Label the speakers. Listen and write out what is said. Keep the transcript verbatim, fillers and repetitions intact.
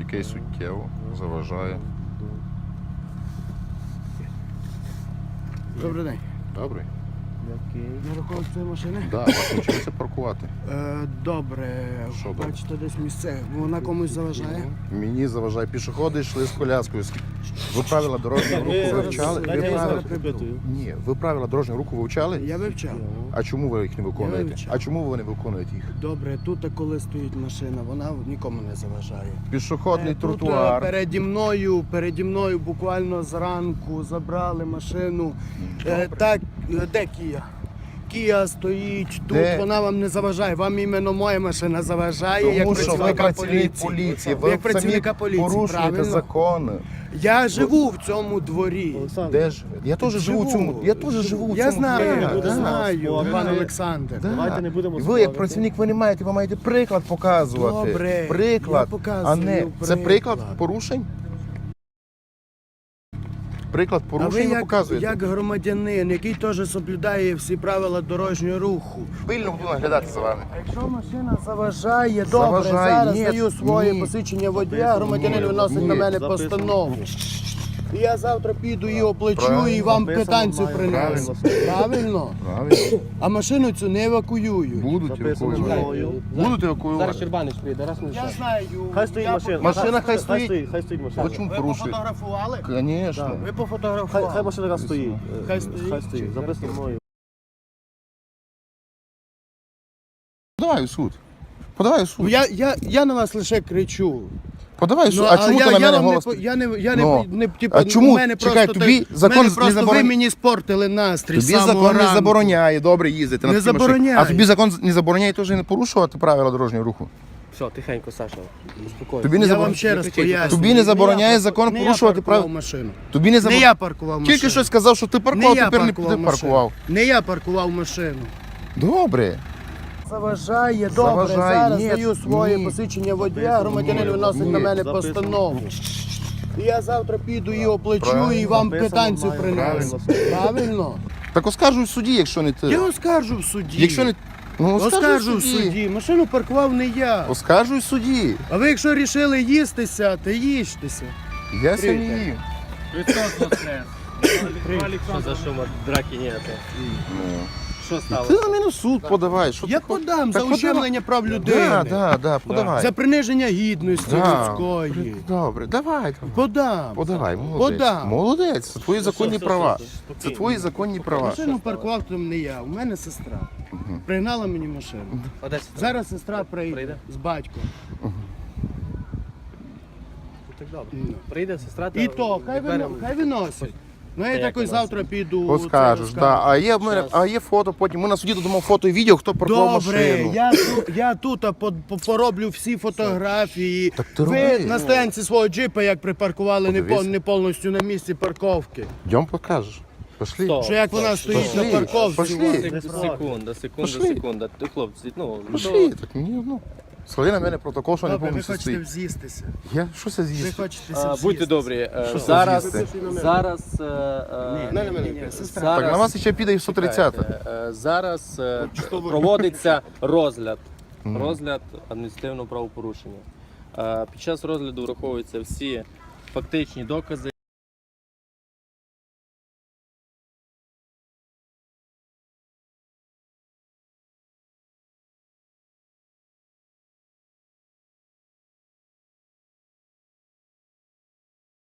Speaker 1: який суттєво заважає.
Speaker 2: Добрий день.
Speaker 1: Добре.
Speaker 2: На рахунок цієї машини?
Speaker 1: Так, да, вас навчилися паркувати.
Speaker 2: Е, добре.
Speaker 1: Що добре?
Speaker 2: Бачите, десь місце. Вона комусь заважає?
Speaker 1: Мені заважає. Пішоходи йшли з коляскою. Ви правила дорожнього руху
Speaker 2: зараз-
Speaker 1: вивчали? Ви
Speaker 2: дайте я
Speaker 1: правила...
Speaker 2: зараз приберу.
Speaker 1: Ні, ви правила дорожнього руху вивчали?
Speaker 2: Я вивчав.
Speaker 1: А чому ви їх не виконуєте?
Speaker 2: вивчав.
Speaker 1: А чому ви не виконуєте їх?
Speaker 2: Добре, тут коли стоїть машина, вона нікому не заважає.
Speaker 1: Пішохідний
Speaker 2: Е, Тут
Speaker 1: тротуар.
Speaker 2: е, переді мною, переді мною буквально зранку забрали машину. Е, так, е, де Кія? Кія стоїть тут,
Speaker 1: Де?
Speaker 2: вона вам не заважає. Вам іменно моя машина заважає,
Speaker 1: Тому
Speaker 2: як
Speaker 1: що ви
Speaker 2: працівника
Speaker 1: працівник
Speaker 2: поліції.
Speaker 1: поліції,
Speaker 2: Ви
Speaker 1: ви
Speaker 2: як працівника
Speaker 1: самі
Speaker 2: поліції,
Speaker 1: порушуєте
Speaker 2: правильно?
Speaker 1: закони.
Speaker 2: Я живу в цьому дворі.
Speaker 1: Де ж? Я теж живу в цьому. Я теж живу в цьому.
Speaker 2: Я знаю,
Speaker 1: дворі.
Speaker 2: я
Speaker 1: Да,
Speaker 2: знаю,
Speaker 1: да.
Speaker 2: пан Олександр.
Speaker 1: Да.
Speaker 3: Давайте не будемо
Speaker 1: Ви
Speaker 3: спорити.
Speaker 1: як працівник, ви не маєте, ви маєте приклад показувати.
Speaker 2: Добре,
Speaker 1: приклад,
Speaker 2: я показую
Speaker 1: а не це приклад
Speaker 2: приклад.
Speaker 1: порушень? Приклад
Speaker 2: А ви
Speaker 1: порушень ви
Speaker 2: як,
Speaker 1: показуєте.
Speaker 2: як громадянин, який теж соблюдає всі правила дорожнього руху.
Speaker 1: Пильно буду наглядати за вами.
Speaker 2: Якщо машина заважає, добре,
Speaker 1: Заважає,
Speaker 2: зараз
Speaker 1: ні,
Speaker 2: даю своє
Speaker 1: ні.
Speaker 2: посвідчення водія, громадянин виносить
Speaker 1: ні.
Speaker 2: на мене
Speaker 3: Записано.
Speaker 2: постанову. І я завтра піду і оплачу,
Speaker 1: Правильно.
Speaker 2: і вам
Speaker 3: Записано,
Speaker 2: квитанцію
Speaker 3: маю
Speaker 2: принесу.
Speaker 3: правильно.
Speaker 2: Правильно?
Speaker 1: Правильно.
Speaker 2: А машину цю не евакуюють.
Speaker 1: Будуть
Speaker 3: Записано
Speaker 1: евакуювати.
Speaker 3: мною.
Speaker 1: Будуть
Speaker 4: Зараз
Speaker 1: евакуювати.
Speaker 4: Щербанич прийде, раз не
Speaker 2: Я
Speaker 4: лише.
Speaker 2: знаю.
Speaker 3: Хай стоїть
Speaker 2: я
Speaker 3: машина.
Speaker 1: Машина хай
Speaker 3: Хай
Speaker 1: стоїть.
Speaker 3: стоїть, хай стоїть машина.
Speaker 1: Ви чому
Speaker 2: Ви
Speaker 1: порушуєте?
Speaker 2: пофотографували?
Speaker 1: Звісно.
Speaker 2: Ви
Speaker 3: Хай,
Speaker 2: пофотографували.
Speaker 3: хай машина раз стоїть.
Speaker 2: Хай стоїть.
Speaker 3: Хай стоїть. Записано мною.
Speaker 1: Подавай у суд. Подавай у
Speaker 2: Ну,
Speaker 1: суд.
Speaker 2: Я, я, я на вас лише кричу.
Speaker 1: Подавай у суд.
Speaker 2: Ну,
Speaker 1: А чому
Speaker 2: я,
Speaker 1: ти на
Speaker 2: я
Speaker 1: мене
Speaker 2: вам
Speaker 1: голос?
Speaker 2: не, по- я не, я не,
Speaker 1: Ну.
Speaker 2: не, типу,
Speaker 1: А чому?
Speaker 2: у мене
Speaker 1: Чекай,
Speaker 2: просто
Speaker 1: тобі
Speaker 2: так-
Speaker 1: закон
Speaker 2: мене
Speaker 1: не
Speaker 2: просто
Speaker 1: заборон-
Speaker 2: ви мені спортили настрій.
Speaker 1: Тобі
Speaker 2: з самого
Speaker 1: закон не
Speaker 2: ранку.
Speaker 1: забороняє добре їздити на
Speaker 2: Не
Speaker 1: такій машині.
Speaker 2: забороняє.
Speaker 1: А тобі закон не забороняє теж не порушувати правила дорожнього руху.
Speaker 4: Все, тихенько, Саша, успокойся.
Speaker 1: Тобі не
Speaker 2: Я
Speaker 1: забор-
Speaker 2: вам ще раз
Speaker 4: Тобі
Speaker 2: поясню.
Speaker 1: Тобі не забороняє
Speaker 2: я
Speaker 1: закон
Speaker 2: не
Speaker 1: порушувати
Speaker 2: я паркував
Speaker 1: прав-
Speaker 2: машину.
Speaker 1: Тобі не
Speaker 2: Не
Speaker 1: забор...
Speaker 2: я паркував машину.
Speaker 1: Тільки що сказав, що ти
Speaker 2: не
Speaker 1: паркував,
Speaker 2: я
Speaker 1: тепер не
Speaker 2: паркував
Speaker 1: ти
Speaker 2: машину.
Speaker 1: паркував.
Speaker 2: Не я паркував машину.
Speaker 1: Добре.
Speaker 2: Заважає, добре,
Speaker 1: Заважає,
Speaker 2: зараз
Speaker 1: ні,
Speaker 2: даю своє
Speaker 1: ні.
Speaker 2: посвідчення водія,
Speaker 3: Записано,
Speaker 2: громадянин
Speaker 3: ні,
Speaker 2: виносить
Speaker 1: ні.
Speaker 2: на мене
Speaker 3: Записано.
Speaker 2: постанову. І я завтра піду і оплачу,
Speaker 1: Правильно.
Speaker 2: і вам
Speaker 3: Записано,
Speaker 2: квитанцію
Speaker 3: маю
Speaker 2: принесу.
Speaker 3: правильно.
Speaker 2: Правильно?
Speaker 1: Так оскаржуй в суді, якщо не ти.
Speaker 2: Я оскаржу в суді.
Speaker 1: Якщо не... Ну,
Speaker 2: Оскаржу в суді. Машину паркував не я.
Speaker 1: Оскаржуй в суді.
Speaker 2: А ви якщо вирішили їстися, то їжтеся.
Speaker 1: Я самі
Speaker 2: Привіт.
Speaker 1: їм.
Speaker 4: Що за шума, драки ніяке.
Speaker 1: Ну.
Speaker 4: Що
Speaker 1: Ти
Speaker 4: сталося?
Speaker 1: на мене в суд подавай. Що
Speaker 2: Я
Speaker 1: ти хочеш?
Speaker 2: подам за
Speaker 1: Так подавай.
Speaker 2: ущемлення прав людини.
Speaker 1: Да, да, да, подавай.
Speaker 2: За приниження гідності
Speaker 1: Да.
Speaker 2: людської.
Speaker 1: Добре, давай. давай.
Speaker 2: Подам.
Speaker 1: Подавай, молодець.
Speaker 2: Подам.
Speaker 1: Молодець, це твої законні
Speaker 4: все,
Speaker 1: права.
Speaker 4: все, все,
Speaker 1: Це
Speaker 4: спокійно.
Speaker 1: твої законні права.
Speaker 2: Машину паркував там не я, у мене сестра. Пригнала мені машину.
Speaker 4: Одеса.
Speaker 2: Зараз сестра прийде,
Speaker 4: Прийде?
Speaker 2: з батьком.
Speaker 4: Так добре.
Speaker 2: Ну.
Speaker 4: Прийде сестра, та
Speaker 2: І то, хай,
Speaker 4: відберемо.
Speaker 2: вино, хай виносять. Ну я
Speaker 4: як
Speaker 2: такий
Speaker 4: виносять?
Speaker 2: завтра піду.
Speaker 1: Оскажеш,
Speaker 2: це
Speaker 1: да. А є в мене,
Speaker 4: Щас.
Speaker 1: а є фото потім. Ми на суді додамо фото і відео, хто паркував
Speaker 2: Добре,
Speaker 1: машину.
Speaker 2: я, ту- я тут а, по- по- пороблю всі фотографії.
Speaker 1: Так ти
Speaker 2: Ви
Speaker 1: роби.
Speaker 2: на стоянці свого джипа, як припаркували не,
Speaker 1: Подивись.
Speaker 2: пов- не повністю на місці парковки.
Speaker 1: Йдем покажеш. Пошли.
Speaker 4: Стоп.
Speaker 2: Що як вона
Speaker 4: Пошли.
Speaker 2: стоїть на парковці.
Speaker 1: Пошли.
Speaker 2: у вас.
Speaker 4: Сек- Секунда, секунда,
Speaker 1: Пошли.
Speaker 4: секунда. Ти, хлопці, ну,
Speaker 1: Пошли, так мені одно. Склади на мене протокол, що не
Speaker 2: Добре, ви
Speaker 1: повністю
Speaker 2: хочете
Speaker 1: стоїть.
Speaker 2: з'їстися.
Speaker 1: Я, що це
Speaker 2: Ви
Speaker 1: з'їсти?
Speaker 2: хочете
Speaker 4: А,
Speaker 2: з'їстися.
Speaker 4: будьте добрі, е,
Speaker 1: Що це
Speaker 4: зараз,
Speaker 1: з'їсти?
Speaker 4: зараз, е, е,
Speaker 2: Ні, на мене, сестра.
Speaker 4: зараз-
Speaker 1: Так, на вас ще піде і сто тридцята.
Speaker 4: Чекайте, е, Зараз е, проводиться розгляд, розгляд адміністративного правопорушення. Е, Під час розгляду враховуються всі фактичні докази.